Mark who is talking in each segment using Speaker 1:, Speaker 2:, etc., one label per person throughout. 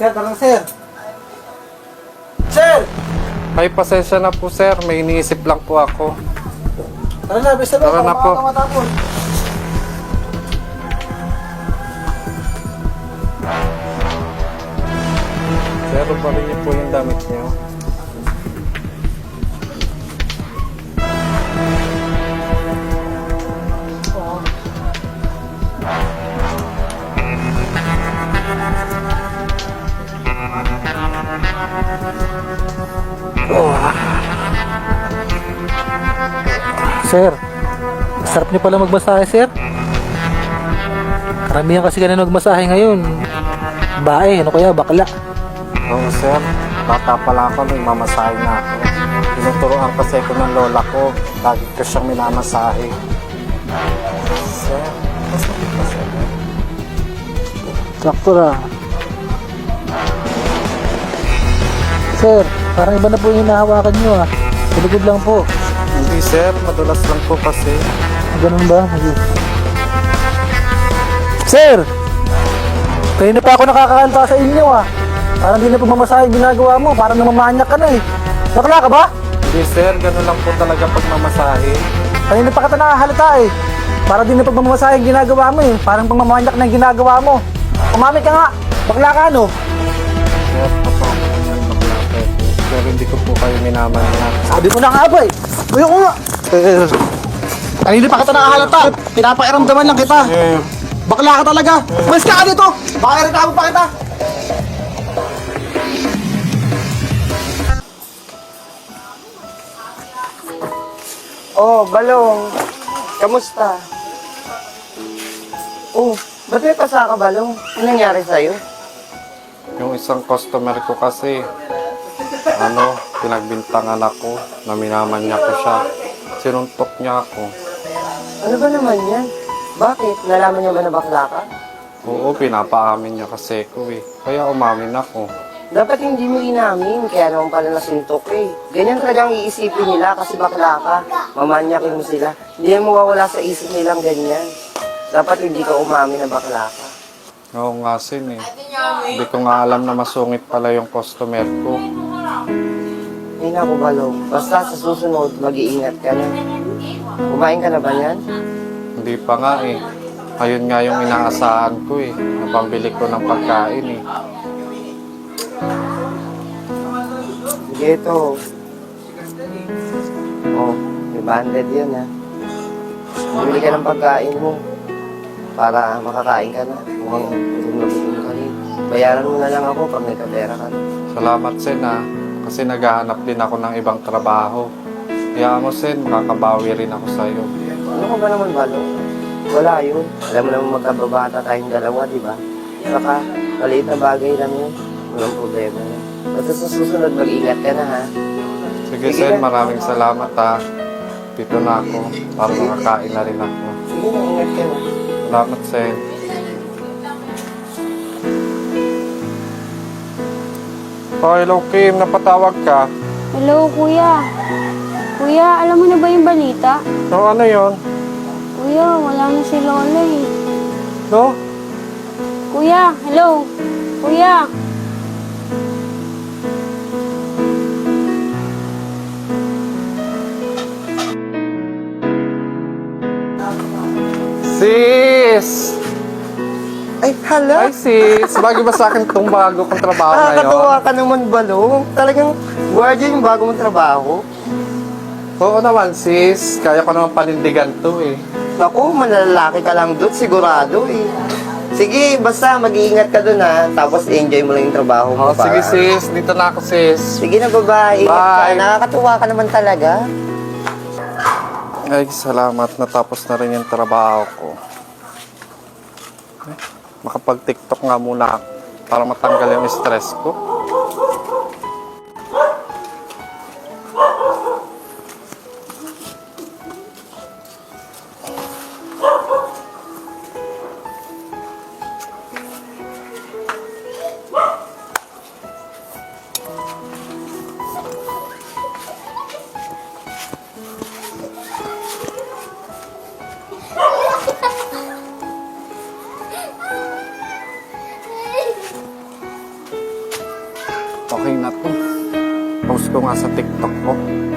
Speaker 1: Sir, tara na, sir. Sir!
Speaker 2: Ay, pasensya na po sir, may iniisip lang po ako.
Speaker 1: Tara na, basta na.
Speaker 2: Tara na po.
Speaker 1: Matapos.
Speaker 2: Sir, balik niyo po yung damit niyo.
Speaker 1: Sir, sarap niyo pala magmasahe, sir. Karamihan kasi ganun magmasahe ngayon. Bae, ano kaya, bakla.
Speaker 2: Oo sir, bata pa lang ako nung mamasahe na ako. Tinuturoan kasi ko ng lola ko, lagi ko siyang minamasahe. Sir, masakit pa sir.
Speaker 1: Sakto na. Sir, parang iba na po yung hinahawakan niyo ah. Saligod lang po.
Speaker 2: Hindi sir, madulas lang po kasi.
Speaker 1: Ganun ba? Sir! Kayo na pa ako nakakakanta sa inyo ah. Parang di na pagmamasahe yung ginagawa mo. Parang namamanyak ka na eh. Bakla ka ba?
Speaker 2: Hindi sir, ganun lang po talaga pagmamasahe.
Speaker 1: Kanina pa kita nakahalata eh. Parang di na pagmamasahe yung ginagawa mo eh. Parang pagmamanyak na yung ginagawa mo. Umami ka nga. Bakla ka ano?
Speaker 2: Sir, totoo po yan, bakla po. Pero hindi ko po kayo minamanyak.
Speaker 1: Sabi ko na nga ba eh. Uyo ko nga. Kanina pa kita nakahalata. Pinapairamdaman lang kita. Bakla ka talaga. Mas ka dito. Baka irita mo pa kita.
Speaker 3: Oh, Balong. Kamusta? Oh, ba't may pasa ka, Balong? Anong nangyari sa'yo?
Speaker 2: Yung isang customer ko kasi, pinagbintangan ako, na minamanyak ko siya. Sinuntok niya ako.
Speaker 3: Ano ba naman yan? Bakit? Nalaman niya ba na bakla ka?
Speaker 2: Oo, pinapaamin niya kasi ko eh. Kaya umamin ako.
Speaker 3: Dapat hindi mo inamin, kaya naman pala nasuntok eh. Ganyan talagang iisipin nila kasi bakla ka. Mamanyakin mo sila. Hindi mo mawawala sa isip nilang ganyan. Dapat hindi ka umamin na bakla ka.
Speaker 2: Oo nga sin eh. Hindi ko nga alam na masungit pala yung customer ko.
Speaker 3: Ay naku, Balong. Basta sa susunod, mag-iingat ka na. Kumain ka na ba yan?
Speaker 2: Hindi pa nga eh. Ayun nga yung inaasahan ko eh. Napambili ko ng pagkain eh.
Speaker 3: Sige, ito. Oh, may banded yan ha. Bumili ka ng pagkain mo para makakain ka na. Kung gutom na gutom ka rin. Bayaran mo na lang ako pag may kapera ka na.
Speaker 2: Salamat Sen ah. Kasi naghahanap din ako ng ibang trabaho. Kaya mo Sen, makakabawi rin ako sa'yo.
Speaker 3: Ano ka ba naman, Balo? Wala yun. Alam mo naman magkababata tayong dalawa, di ba? Saka, maliit na bagay lang yun. Walang problema yun. Basta sa susunod, mag-ingat ka na ha.
Speaker 2: Sige
Speaker 3: Sige
Speaker 2: Sen,
Speaker 3: na.
Speaker 2: maraming salamat ah. Dito na ako para makakain na rin ako.
Speaker 3: Sige na, ingat ka na.
Speaker 2: Salamat Sen. Oh, hello Kim, napatawag ka.
Speaker 4: Hello, kuya. Kuya, alam mo na ba yung balita?
Speaker 2: No, ano yon?
Speaker 4: Kuya, wala na si Lola eh.
Speaker 2: No?
Speaker 4: Kuya, hello. Kuya.
Speaker 2: Sis!
Speaker 3: Ay, hala!
Speaker 2: Hi sis! Bagay ba sa akin itong bago kong trabaho ngayon?
Speaker 3: Nakakatuwa ka naman, Balong. Talagang guardia yung bago mong trabaho.
Speaker 2: Oo naman sis, kaya ko naman panindigan to eh.
Speaker 3: Ako, malalaki ka lang doon, sigurado eh. Sige, basta mag-iingat ka doon ha. Tapos enjoy mo lang yung trabaho mo.
Speaker 2: Oh, sige sis, dito na ako sis.
Speaker 3: Sige na, babae. Ingat ka.
Speaker 2: Bye.
Speaker 3: Nakakatuwa ka naman talaga.
Speaker 2: Ay, salamat. Natapos na rin yung trabaho ko. Eh, makapag-tiktok nga muna ako para matanggal yung stress ko. ko nga sa TikTok ko.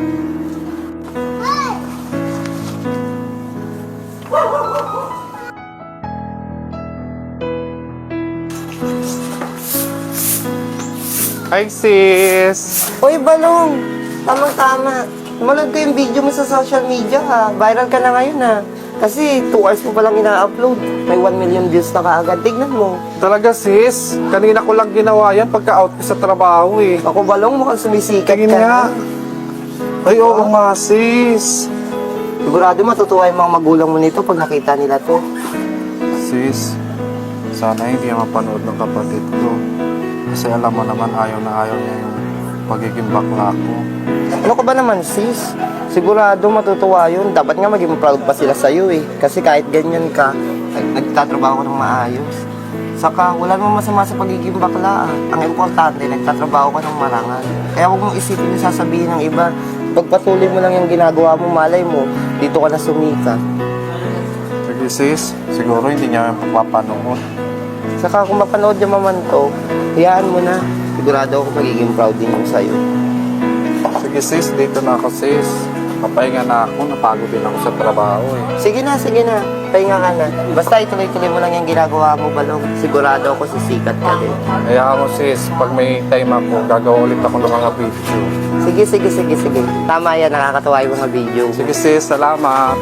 Speaker 2: Hi sis!
Speaker 3: Uy, Balong! Tamang-tama. Manood ko yung video mo sa social media ha. Viral ka na ngayon ha. Kasi 2 hours mo palang ina-upload. May 1 million views na kaagad. Tignan mo.
Speaker 2: Talaga sis, kanina ko lang ginawa yan pagka-out ko sa trabaho eh.
Speaker 3: Ako, Balong, mukhang sumisikat
Speaker 2: Tingin
Speaker 3: ka
Speaker 2: nga.
Speaker 3: na.
Speaker 2: Ay oo nga sis.
Speaker 3: Sigurado matutuwa yung mga magulang mo nito pag nakita nila to.
Speaker 2: Sis, sana hindi mapanood ng kapatid ko. Kasi alam mo naman ayaw na ayaw niya yung pagiging bakla ko.
Speaker 3: Ano ka ba naman, sis? Sigurado matutuwa yun. Dapat nga maging proud pa sila sa'yo eh. Kasi kahit ganyan ka, nagtatrabaho ka ng maayos. Saka, wala namang masama sa pagiging bakla. Ang importante, nagtatrabaho ka ng marangal. Kaya huwag mong isipin yung sasabihin ng iba. Pagpatuloy mo lang yung ginagawa mo, malay mo, dito ka na sumikat.
Speaker 2: Sige sis, siguro hindi niya yung pagpapanood.
Speaker 3: Saka kung mapanood niya maman to, hayaan mo na. Sigurado ako magiging proud din yung sa'yo.
Speaker 2: Sige sis, dito na ako sis. Papahinga na ako, napagod din ako sa trabaho eh.
Speaker 3: Sige na. Pahinga ka na. Basta ituloy-tuloy mo lang yung ginagawa mo, Balong. Sigurado ako sisikat ka din.
Speaker 2: Kaya mo sis, pag may time ako, gagawa ulit ako ng mga video.
Speaker 3: Sige. Tama yan, nakakatawa yung mga video.
Speaker 2: Sige sis, salamat.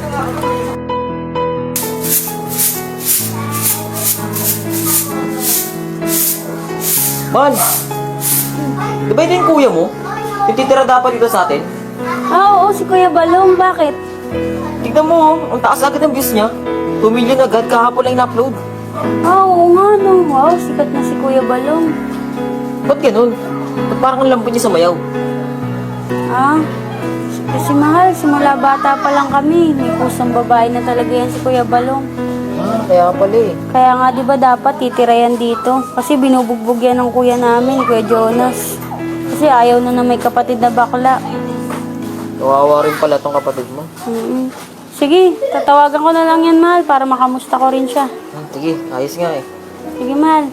Speaker 5: Man! Di ba ito yung kuya mo? Yung titira dapat dito sa atin?
Speaker 4: Ah, oo, si Kuya Balong. Bakit?
Speaker 5: Tignan mo, oh, ang taas agad ng views niya. 2 million agad, kahapon lang in-upload.
Speaker 4: Ah, oo nga, no. Wow, sikat na si Kuya Balong.
Speaker 5: Ba't ganun? Ba't parang ang lambot niya sa mayaw?
Speaker 4: Ah, kasi mahal, simula bata pa lang kami. May pusong babae na talaga yan si Kuya Balong.
Speaker 5: Kaya pala eh.
Speaker 4: Kaya nga, di ba dapat titira yan dito? Kasi binubugbog yan ng kuya namin, Kuya Jonas. Kasi ayaw na may kapatid na bakla.
Speaker 5: Kawawa rin pala tong kapatid mo.
Speaker 4: Sige, tatawagan ko na lang yan, mahal, para makamusta ko rin siya.
Speaker 5: Sige, ayos nga eh.
Speaker 4: Sige, mahal.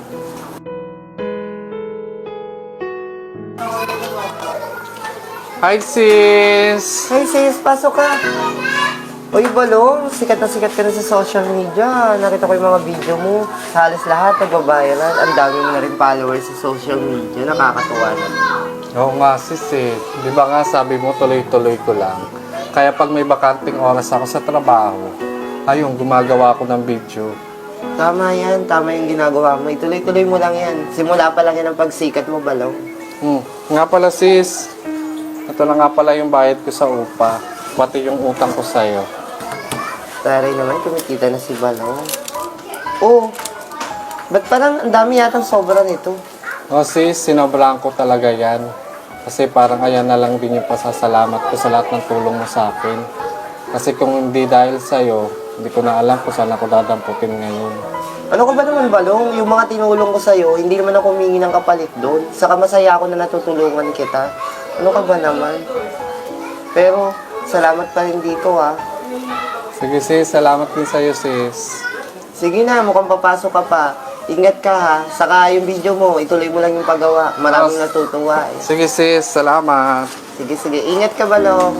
Speaker 2: Hi sis!
Speaker 3: Hey sis, pasok ka. Uy, Balong, sikat ka na sa social media. Nakita ko yung mga video mo. Sa halos lahat, nagbabayaran. Ang dami mo na rin followers sa social media. Nakakatuwa na.
Speaker 2: Oo nga sis eh. Di ba nga sabi mo tuloy-tuloy ko lang. Kaya pag may bakanting oras ako sa trabaho, ayun, gumagawa ako ng video.
Speaker 3: Tama yung ginagawa mo. Ituloy-tuloy mo lang yan. Simula pa lang yan ang pagsikat mo, Balong.
Speaker 2: Nga pala sis, ito na nga pala yung bayad ko sa upa. Pati yung utang ko sa'yo.
Speaker 3: Taray naman, kumikita na si Balong. Oh, ba't parang ang dami yatang sobra nito?
Speaker 2: O sis, sinobrahan ko talaga yan. Kasi parang ayan na lang din yung pasasalamat ko sa lahat ng tulong mo sa akin. Kasi kung hindi dahil sa'yo, hindi ko na alam kung saan ako dadamputin ngayon.
Speaker 3: Ano ka ba naman, Balong? Yung mga tinulong ko sa'yo, hindi naman ako humingi ng kapalit doon. Saka masaya ako na natutulungan kita. Ano ka ba naman? Pero, salamat pa rin dito, ha.
Speaker 2: Sige sis, salamat din sa'yo sis.
Speaker 3: Sige na, mukhang papasok ka pa. Ingat ka, ha. Saka yung video mo, ituloy mo lang yung paggawa. Maraming natutuwa, eh.
Speaker 2: Sige sis, salamat.
Speaker 3: Sige. Ingat ka, Balong.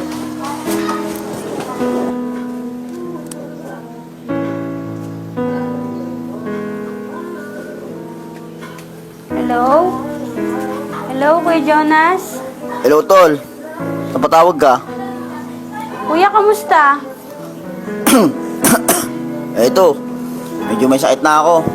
Speaker 4: Hello? Hello, Kuya Jonas?
Speaker 6: Hello, Tol. Napatawag ka?
Speaker 4: Kuya, kamusta?
Speaker 6: Ito, medyo may sakit na ako.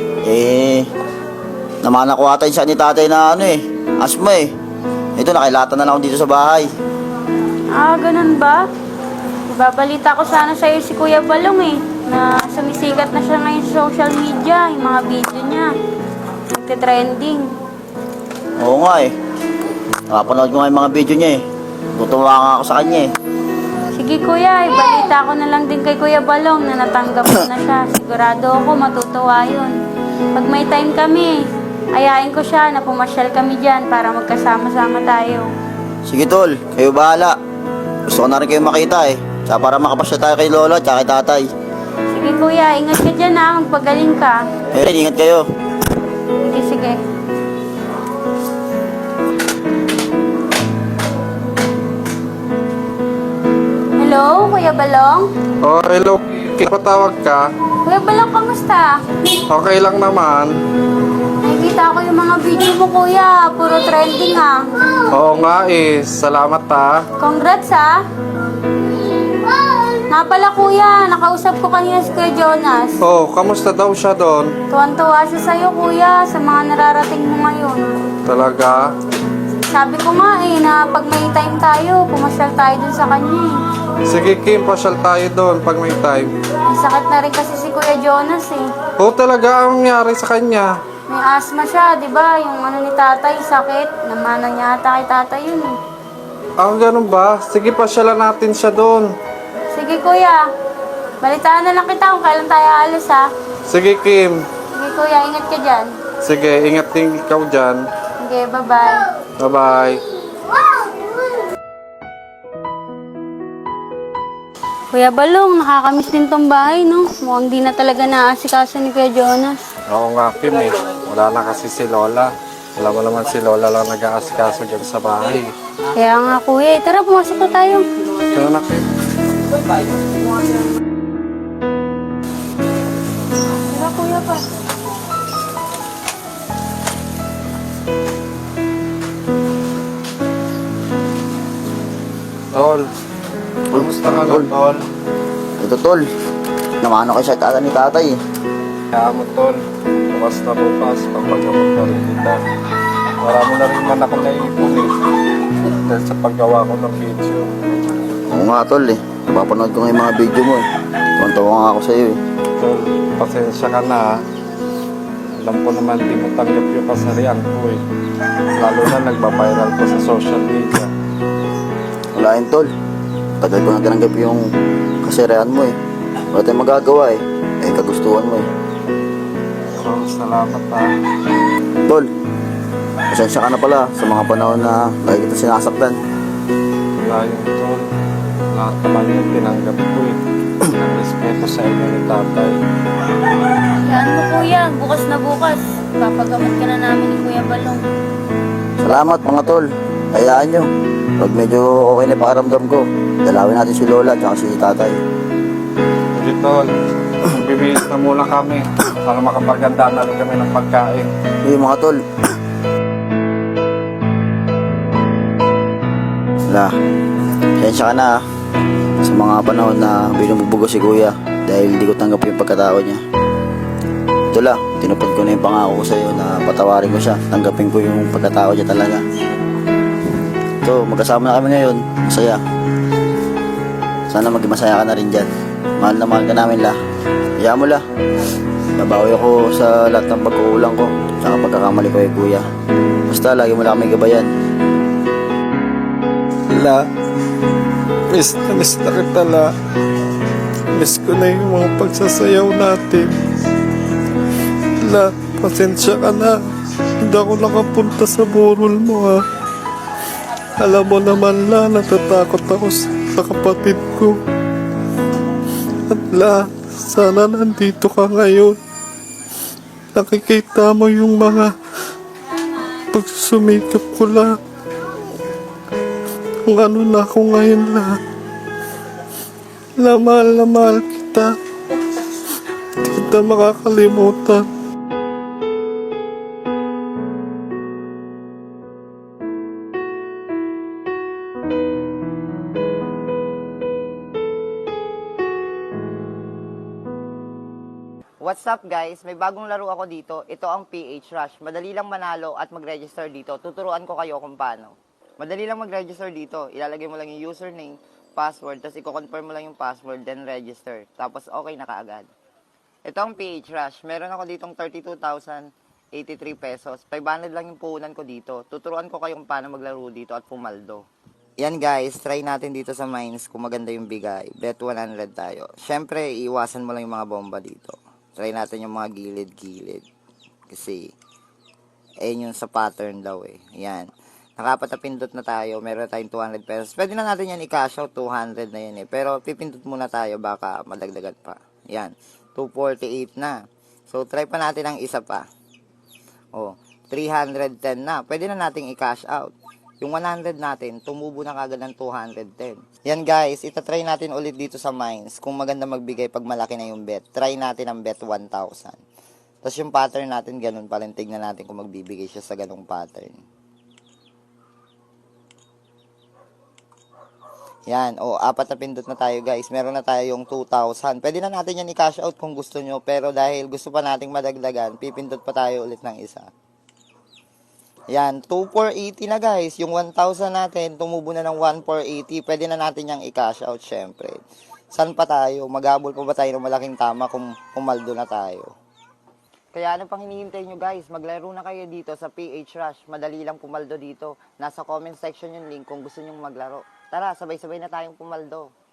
Speaker 6: Namana ko ata yung sakit ni tatay na asma eh. Ito, nakilatan na lang ako dito sa bahay.
Speaker 4: Ah, ganun ba? Ibabalita ko sana sa'yo si Kuya Balong eh, na sumisikat na siya ngayon sa social media, yung mga video niya. Nagte-trending.
Speaker 6: Oo nga eh. Nakapanood ko nga yung mga video niya eh. Tutuwa nga ako sa kanya eh.
Speaker 4: Sige kuya, ibalita ko na lang din kay Kuya Balong na natanggap ko na siya. Sigurado ako matutuwa yun. Pag may time kami, ayain ko siya na pumasyal kami dyan para magkasama-sama tayo.
Speaker 6: Sige, Tol. Kayo bahala. Gusto ko na rin kayo makita eh. Tsaka para makapasya tayo kay Lolo at kay tatay.
Speaker 4: Sige kuya, ingat ka dyan ha, magpagaling ka.
Speaker 6: Rin, ingat kayo.
Speaker 4: Sige. Kuya Balong?
Speaker 2: Oh, hello. Patawag ka?
Speaker 4: Kuya Balong, kamusta?
Speaker 2: Okay lang naman.
Speaker 4: Nakikita ko yung mga video mo, kuya. Puro trending, ah.
Speaker 2: Oo nga salamat
Speaker 4: Congrats, ah. Nga pala, kuya. Nakausap ko kanina si Kuya Jonas.
Speaker 2: Oh, kamusta daw siya doon?
Speaker 4: Tuwan-tuwa siya sa'yo, kuya, sa mga nararating mo ngayon.
Speaker 2: Talaga?
Speaker 4: Sabi ko nga na pag may time tayo, pumasyal tayo dun sa kanya eh.
Speaker 2: Sige Kim, pasyal tayo doon pag may time.
Speaker 4: May sakit na rin kasi si Kuya Jonas eh.
Speaker 2: Oh, talaga ang nangyari sa kanya?
Speaker 4: May asthma siya, di ba? Yung ano ni tatay, sakit. Namana niya ata kay tatay yun eh.
Speaker 2: Ganun ba? Sige, pasyalan natin siya doon.
Speaker 4: Sige kuya, balitaan na lang kita kung kailan tayo alis ha.
Speaker 2: Sige Kim.
Speaker 4: Sige kuya, ingat ka dyan.
Speaker 2: Sige, ingat din ikaw dyan.
Speaker 4: Sige, bye-bye.
Speaker 2: Bye-bye.
Speaker 4: Kuya Balong, nakakamiss din tong bahay, no? Mukhang di na talaga naaasikaso ni Kuya Jonas.
Speaker 2: Oo nga Kim Wala na kasi si Lola. Wala mo naman si Lola lang nag-aasikaso dyan sa bahay.
Speaker 4: Kaya nga kuya, tara pumasok na tayo.
Speaker 2: Kaya na Kim.
Speaker 4: Tara kuya pa.
Speaker 2: Tol. Kumusta ka na, Tol?
Speaker 6: Ito, tol. Namano kayo sa tata ni tatay eh.
Speaker 2: Kaya mo, Tol. Bukas na bukas, papagabot na rin kita. Marami na rin man ako naipon dahil sa paggawa ko ng video.
Speaker 6: Oo nga, tol eh. Napapanood ko nga yung mga video mo eh. Tuwan-tuwa nga ako sa'yo eh.
Speaker 2: Tol, pasensya ka na. Alam ko naman di mo tanggap yung kasarian ko eh. Lalo na nagbabiral ko sa social media.
Speaker 6: Wala yun, tol. Tagal ko na tinanggap yung kasiraan mo eh. Wala tayong magagawa eh. Kagustuhan mo eh.
Speaker 2: So, salamat
Speaker 6: Tol, pasensya ka na pala sa mga panahon na lagi kita sinasaktan.
Speaker 2: Wala yung Tol. Lahat naman yung tinanggap ko eh. Nag-respeto sa inyo ni tatay.
Speaker 4: Yan mo kuya, bukas na bukas. Papagamot ka na namin ni Kuya Balong.
Speaker 6: Salamat mga tol. Hayaan nyo. Pag medyo okay na pakaramdam ko, dalawin natin si Lola at si tatay.
Speaker 2: Sige Tol, bibihis na muna kami para makapaganda na rin kami ng pagkain.
Speaker 6: Hey mga tol. Wala. Pasensya ka na sa mga panahon na binububugo si kuya dahil di ko tanggap yung pagkatao niya. Ito lang, tinupad ko na yung pangako ko sa'yo na patawarin ko siya. Tanggapin ko yung pagkatao niya talaga. Ito, magkasama na kami ngayon. Masaya. Sana maging masaya ka na rin dyan. Mahal na mahal ka namin la. Hayaan mo la. Nabawi ako sa lahat ng pagkukulang ko. Tsaka pagkakamali ko kay kuya. Basta lagi mo lang kami gabayan.
Speaker 2: La, miss na kita la. Miss ko na yung mga pagsasayaw natin. La, pasensya ka na. Hindi ako nakapunta sa burol mo ha. Alam mo naman la, natatakot ako sa kapatid ko. At la, sana nandito ka ngayon. Nakikita mo yung mga pagsusumikap ko la. Kung ano na ako ngayon la. La, mahal kita. Hindi kita makakalimutan.
Speaker 3: What's up guys? May bagong laro ako dito. Ito ang PH Rush. Madali lang manalo at mag-register dito. Tuturuan ko kayo kung paano. Madali lang mag-register dito. Ilalagay mo lang yung username, password, tapos i-confirm mo lang yung password, then register. Tapos okay na kaagad. Ito ang PH Rush. Meron ako ditong 32,083 pesos. 500 lang yung puhunan ko dito. Tuturuan ko kayo kung paano maglaro dito at pumaldo. Yan guys, try natin dito sa mines kung maganda yung bigay. Bet 100 tayo. Siyempre, iiwasan mo lang yung mga bomba dito. Try natin yung mga gilid-gilid. Kasi, ayun yung sa pattern daw eh. Ayan. Nakapat na pindot na tayo. Meron tayong 200 pesos. Pwede na natin yan i-cash out. 200 na yan eh. Pero pipindot muna tayo. Baka madagdagan pa. Ayan. 248 na. So, try pa natin ang isa pa. Oh, 310 na. Pwede na nating i-cash out. yung 100 natin, tumubo na kagad ng 210. Yan guys, itatry natin ulit dito sa mines. Kung maganda magbigay pag malaki na yung bet. Try natin ang bet 1,000. Tapos yung pattern natin, ganun pa rin. Tignan natin kung magbibigay siya sa ganung pattern. Yan, o 4 na pindot na tayo guys. Meron na tayo yung 2,000. Pwede na natin yan i-cash out kung gusto nyo. Pero dahil gusto pa nating madagdagan, pipindot pa tayo ulit ng isa. Yan, 2,480 na guys. Yung 1,000 natin, tumubo na ng 1,480. Pwede na natin yung i-cash out syempre. San pa tayo? Maghabol pa ba tayo ng malaking tama kung pumaldo na tayo? Kaya ano pang hinihintay nyo guys? Maglaro na kayo dito sa PH Rush. Madali lang pumaldo dito. Nasa comment section yung link kung gusto nyong maglaro. Tara, sabay-sabay na tayong pumaldo.